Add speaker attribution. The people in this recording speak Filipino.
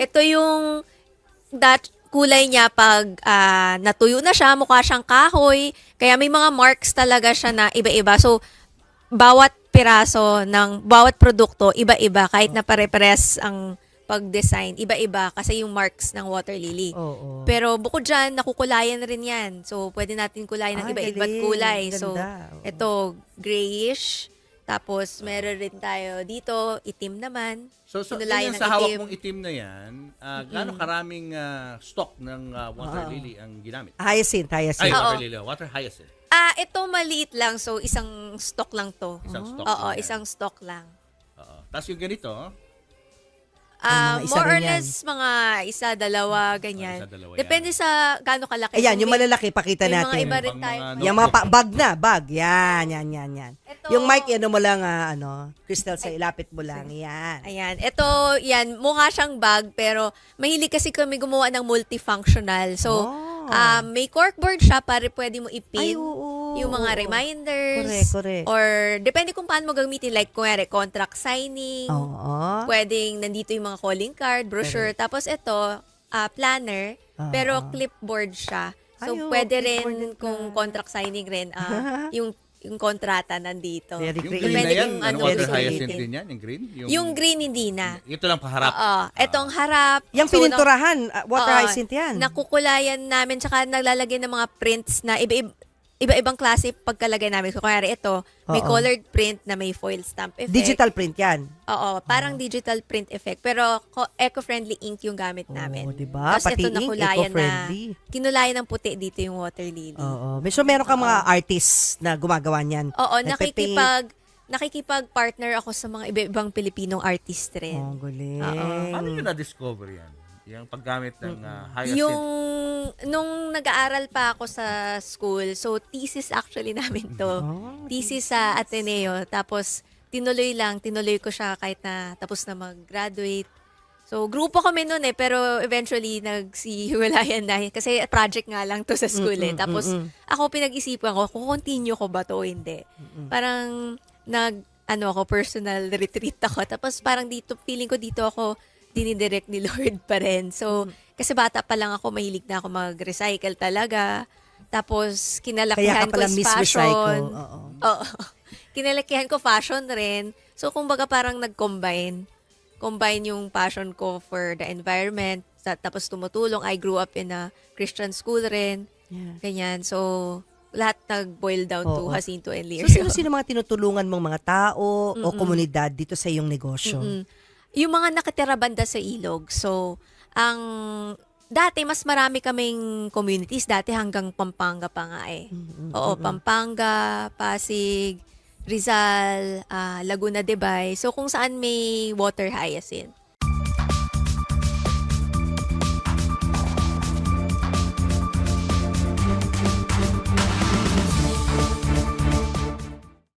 Speaker 1: ito yung kulay niya pag natuyo na siya, mukha siyang kahoy. Kaya may mga marks talaga siya na iba-iba. So, bawat piraso ng bawat produkto, iba-iba. Kahit na pare-pares ang pag-design, iba-iba kasi yung marks ng water lily.
Speaker 2: Oo.
Speaker 1: Pero bukod dyan, nakukulayan rin yan. So, pwede natin kulayan ng iba-iba't
Speaker 2: galing.
Speaker 1: kulay.
Speaker 2: Ganda.
Speaker 1: So,
Speaker 2: Oo.
Speaker 1: ito, grayish. Tapos, meron rin tayo dito, itim naman.
Speaker 3: So
Speaker 1: Kinulayan
Speaker 3: yan
Speaker 1: ng
Speaker 3: sa hawak
Speaker 1: itim.
Speaker 3: mong itim na yan, gaano karaming stock ng water lily ang ginamit?
Speaker 2: Hyacinth.
Speaker 3: Ay,
Speaker 1: Oo.
Speaker 3: water lily, water hyacinth.
Speaker 1: Ito maliit lang. So, isang stock lang to.
Speaker 3: Isang stock
Speaker 1: Oo,
Speaker 3: lang yan.
Speaker 1: isang stock lang.
Speaker 3: Oo. Tapos yung ganito,
Speaker 2: Mga isa
Speaker 1: More
Speaker 2: rin
Speaker 1: or
Speaker 2: yan.
Speaker 1: less, mga isa, dalawa, ganyan.
Speaker 3: isa, dalawa
Speaker 1: Depende sa gaano kalaki.
Speaker 2: Ayan,
Speaker 1: Kung
Speaker 2: yung
Speaker 1: may-
Speaker 2: malalaki, pakita
Speaker 1: may mga
Speaker 2: natin.
Speaker 1: iba rin
Speaker 3: Pang
Speaker 1: tayo.
Speaker 3: mga
Speaker 2: Yung mga bag na, bag. Yan.
Speaker 1: Ito,
Speaker 2: Yung mic, ano mo lang, Crystal, sa ilapit mo lang. Yan.
Speaker 1: Ayan. Ito, yan, mukha siyang bag, pero mahilig kasi kami gumawa ng multifunctional. So, may corkboard siya para pwede mo ipin
Speaker 2: Ay, oo.
Speaker 1: yung mga
Speaker 2: Oo.
Speaker 1: reminders.
Speaker 2: Correct.
Speaker 1: Or, depende kung paano mo gamitin. Like, kunyari, contract signing.
Speaker 2: Oo.
Speaker 1: Pwedeng nandito yung mga calling card, brochure. Tapos ito, planner, pero clipboard siya. So,
Speaker 2: Ay,
Speaker 1: pwede rin
Speaker 2: clipboard din
Speaker 1: kung
Speaker 2: pala.
Speaker 1: contract signing rin, yung kontrata nandito.
Speaker 2: Very
Speaker 3: yung
Speaker 2: creative.
Speaker 3: green na
Speaker 1: Depende
Speaker 3: yan,
Speaker 1: kung
Speaker 3: ano,
Speaker 1: ano
Speaker 3: water
Speaker 1: gusto
Speaker 3: hyacinth
Speaker 1: natin.
Speaker 3: din yan, yung green?
Speaker 1: Yung green hindi na.
Speaker 3: Ito lang paharap.
Speaker 1: Oo. Etong harap.
Speaker 2: Yung
Speaker 1: So,
Speaker 2: pininturahan, water
Speaker 1: oo,
Speaker 2: hyacinth yan.
Speaker 1: Nakukulayan namin, tsaka naglalagay ng mga prints na iba-ibang klase pagkalagay namin. So, kaya ito, may
Speaker 2: Oo.
Speaker 1: colored print na may foil stamp effect.
Speaker 2: Digital print yan.
Speaker 1: Oo, parang digital print effect. Pero eco-friendly ink yung gamit namin.
Speaker 2: Oo, diba?
Speaker 1: Tapos
Speaker 2: Pati
Speaker 1: ito
Speaker 2: ink,
Speaker 1: nakulayan
Speaker 2: eco-friendly.
Speaker 1: kinulayan ng puti dito yung water lily.
Speaker 2: Oo. So, meron kang mga artists na gumagawa niyan.
Speaker 1: Oo,
Speaker 2: Nagpe-paint.
Speaker 1: nakikipag-partner ako sa mga iba-ibang Pilipinong artist rin.
Speaker 2: Oh, galing.
Speaker 3: Paano nyo na-discover yan? Yung paggamit ng hyacinth?
Speaker 1: Yung nung nag-aaral pa ako sa school, so thesis actually namin to. Thesis sa Ateneo. Tapos tinuloy ko siya kahit na tapos na mag-graduate. So grupo kami noon pero eventually nagsihiwalayan na kasi project nga lang to sa school Tapos ako pinag-isipan ko kung continue ko ba to o hindi. Parang ako personal retreat ako. Tapos parang dito feeling ko dito ako dinidirect ni Lord pa rin. So, kasi bata pa lang ako, mahilig na ako mag-recycle talaga. Tapos, kinalakihan
Speaker 2: Kaya ka pala
Speaker 1: ko is
Speaker 2: Miss
Speaker 1: fashion.
Speaker 2: Recycle. Oo.
Speaker 1: Oo. Kinalakihan ko fashion rin. So, kumbaga parang nag-combine. Combine yung passion ko for the environment. Tapos tumutulong. I grew up in a Christian school rin.
Speaker 2: Yeah.
Speaker 1: Ganyan. So, lahat nag-boil down to
Speaker 2: Oo.
Speaker 1: Jacinto and
Speaker 2: So,
Speaker 1: Lirio.
Speaker 2: sino-sino mga tinutulungan mong mga tao o komunidad dito sa iyong negosyo?
Speaker 1: Yung mga nakatira banda sa ilog. So, dati mas marami kaming communities. Dati hanggang Pampanga pa nga eh. Oo, Pampanga, Pasig, Rizal, Laguna de Bay. So, kung saan may water hyacinth.